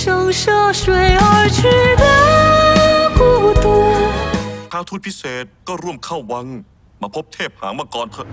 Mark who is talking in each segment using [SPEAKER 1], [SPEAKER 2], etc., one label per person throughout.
[SPEAKER 1] 生涉水而去的孤独。
[SPEAKER 2] ท้าวทูตพิเศษก็ร่วมเข้าวังมาพบเทพหางมังกรเถอะ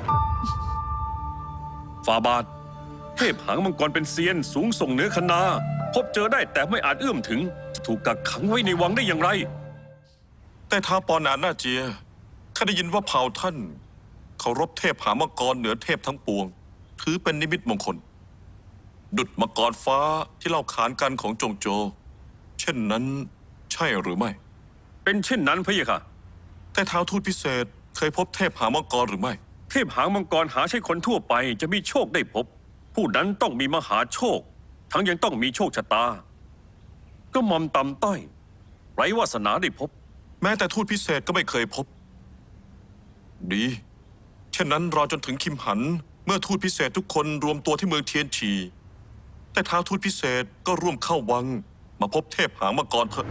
[SPEAKER 3] ฟาบาทเทพหางมังกรเป็นเซียนสูงส่งเหนือคณาพบเจอได้แต่ไม่อาจเอื้อมถึงจะถูกกักขังไว้ในวังได้อย่างไร
[SPEAKER 2] แต่ท้าวปอหนานหน้าเจียข้าได้ยินว่าเผ่าท่านเคารพเทพหางมังกรเหนือเทพทั้งปวง ถือเป็นนิมิตมงคล ดุจมังกรฟ้าที่เล่าขานกันของจงโจ เช่นนั้นใช่หรือไม่
[SPEAKER 3] เป็นเช่นนั้นพะยะค่ะ
[SPEAKER 2] แต่ท้าวทูตพิเศษเคยพบเทพหางมังกรหรือไม่
[SPEAKER 3] เทพหางมังกรหาใช่คนทั่วไปจะมีโชคได้พบ ผู้นั้นต้องมีมหาโชค ทั้งยังต้องมีโชคชะตา ก็มอมต่ำต้อยไร้วาสนาได้พบ
[SPEAKER 2] แม้แต่ทูตพิเศษก็ไม่เคยพบ ดี เช่นนั้นรอจนถึงคิมหัน เมื่อทูตพิเศษทุกคนรวมตัวที่เมืองเทียนฉี แต่ท้าวทูตพิเศษก็ร่วมเข้าวัง มาพบเทพหางมังกรเถอะ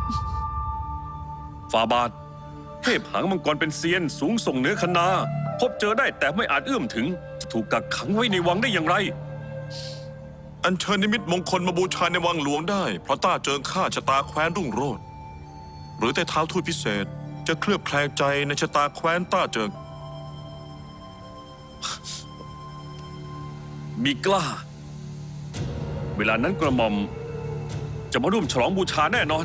[SPEAKER 3] ฟาบาทเทพหางมังกรเป็นเซียนสูงส่งเหนือคณาพบเจอได้แต่ไม่อาจเอื้อมถึงจะถูกกักขังไว้ในวังได้อย่างไร
[SPEAKER 2] อัญเชิญนิมิตมงคลมาบูชาในวังหลวงได้ เพราะต้าเจิงข้าชะตาแคว้นรุ่งโรจน์หรือแต่ท้าวทูตพิเศษจะเคลือบแคลงใจในชะตาแคว้นต้าเจิง
[SPEAKER 3] มีกล้า เวลานั้นกระหม่อมจะมาร่วมฉลองบูชาแน่นอน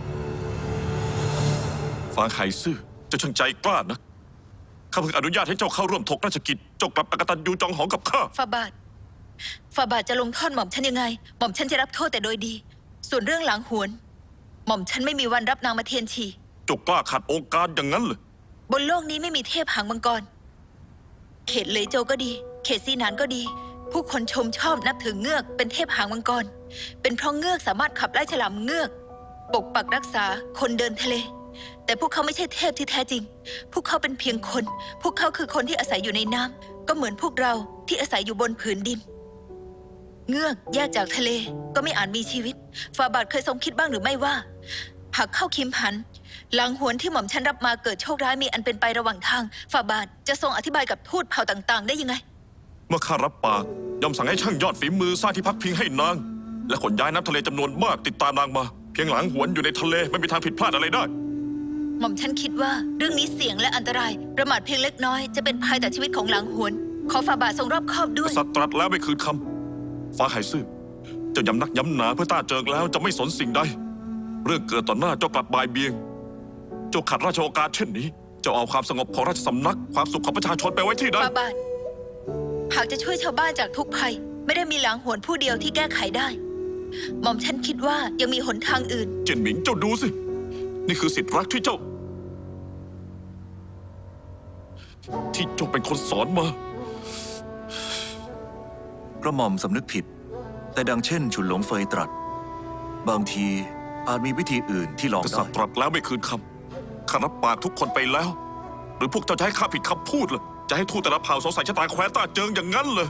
[SPEAKER 2] ฟางไห่ซื่อเจะช่างใจกล้านะข้าเพิ่งอนุญาตให้เจ้าเข้าร่วมถกราชกิจเจ้ากลับอกตัญญูจองหองกับข้า
[SPEAKER 4] ฟาบาทจะลงโทษหม่อมฉันยังไง หม่อมฉันจะรับโทษแต่โดยดี ส่วนเรื่องหลังหวน หม่อมฉันไม่มีวันรับนางมาเทียนฉี
[SPEAKER 2] เจ้ากล้าขัดองค์การอย่างนั้นเลย
[SPEAKER 4] บนโลกนี้ไม่มีเทพหางมังกร เขตเหลยโจวก็ดี เขตซีหนานก็ดี ผู้คนชมชอบนับถือเงือกเป็นเทพหางมังกร เป็นเพราะเงือกสามารถขับไล่ฉลามเงือก ปกปักรักษาคนเดินทะเล แต่พวกเขาไม่ใช่เทพที่แท้จริง พวกเขาเป็นเพียงคน พวกเขาคือคนที่อาศัยอยู่ในน้ำก็เหมือนพวกเราที่อาศัยอยู่บนผืนดิน เงือกแยกจากทะเลก็ไม่อาจมีชีวิตฟาบาทเคยทรงคิดบ้างหรือไม่ว่า หากเข้าคิมหันหลังหวนที่หม่อมฉันรับมาเกิดโชคร้ายมีอันเป็นไประหว่างทางฟาบาทจะทรงอธิบายกับทูตเผ่าต่างๆ ได้ยังไง
[SPEAKER 2] เมื่อข้ารับปากยอมสั่งให้ช่างยอดฝีมือสร้างที่พักพิงให้นาง และขนย้ายน้ำทะเลจำนวนมากติดตามนางมา เพียงหลังหวนอยู่ในทะเลไม่มีทางผิดพลาดอะไรได้
[SPEAKER 4] หม่อมฉันคิดว่าเรื่องนี้เสี่ยงและอันตราย ประมาทเพียงเล็กน้อยจะเป็นภัยต่อชีวิตของหลังหวน ขอฟาบาททรงรอบคอบด้วย
[SPEAKER 2] สัตว์ตรัสแล้วไม่คืนคำฟ้าไห่ซื่อเจ้าย้ำนักย้ำหนาเพื่อต้าเจิงแล้วจะไม่สนสิ่งใด เรื่องเกิดต่อหน้าเจ้ากลับบ่ายเบียง เจ้าขัดราชโองการเช่นนี้เจ้าเอาความสงบของราชสำนักความสุขของประชาชนไปไว้ที่ใด
[SPEAKER 4] ฟาบาทหากจะช่วยชาวบ้านจากทุกภัย ไม่ได้มีหลังหวนผู้เดียวที่แก้ไขได้ หม่อมฉันคิดว่ายังมีหนทางอื่น
[SPEAKER 2] เจินหมิงเจ้าดูสิ นี่คือสิทธิรักที่เจ้าเป็นคนสอนมา
[SPEAKER 5] กระหม่อมสำนึกผิด แต่ดังเช่นฉุนหลงเฟยตรัส บางทีอาจมีวิธีอื่นที่ลอง
[SPEAKER 2] ก
[SPEAKER 5] ได้
[SPEAKER 2] ษัตริย์ตรัสแล้วไม่คืนคำข้ารับปากทุกคนไปแล้ว หรือพวกเจ้าจะให้ข้าผิดคำพูดเหรอจะให้ทูตแต่ละเผ่าสงสัยชะตาแคว้นต้าเจิงอย่างนั้นเลย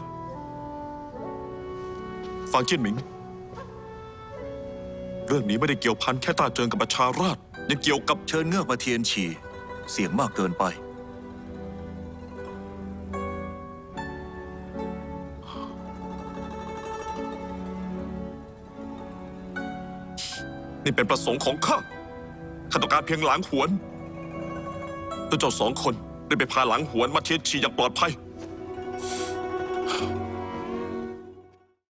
[SPEAKER 2] ฟังเจี้ยนหมิง เรื่องนี้ไม่ได้เกี่ยวพันแค่ต้าเจิงกับประชาราษฎร์ยังเกี่ยวกับ
[SPEAKER 5] เชิญเงือกมาเทียนฉี่เสียงมากเกินไป
[SPEAKER 2] นี่เป็นประสงค์ของข้าต้องการเพียงหลังหวนแล้วเจ้าสองคนได้ไปพาหลังหวนมาเทียนฉีอย่างปลอดภัย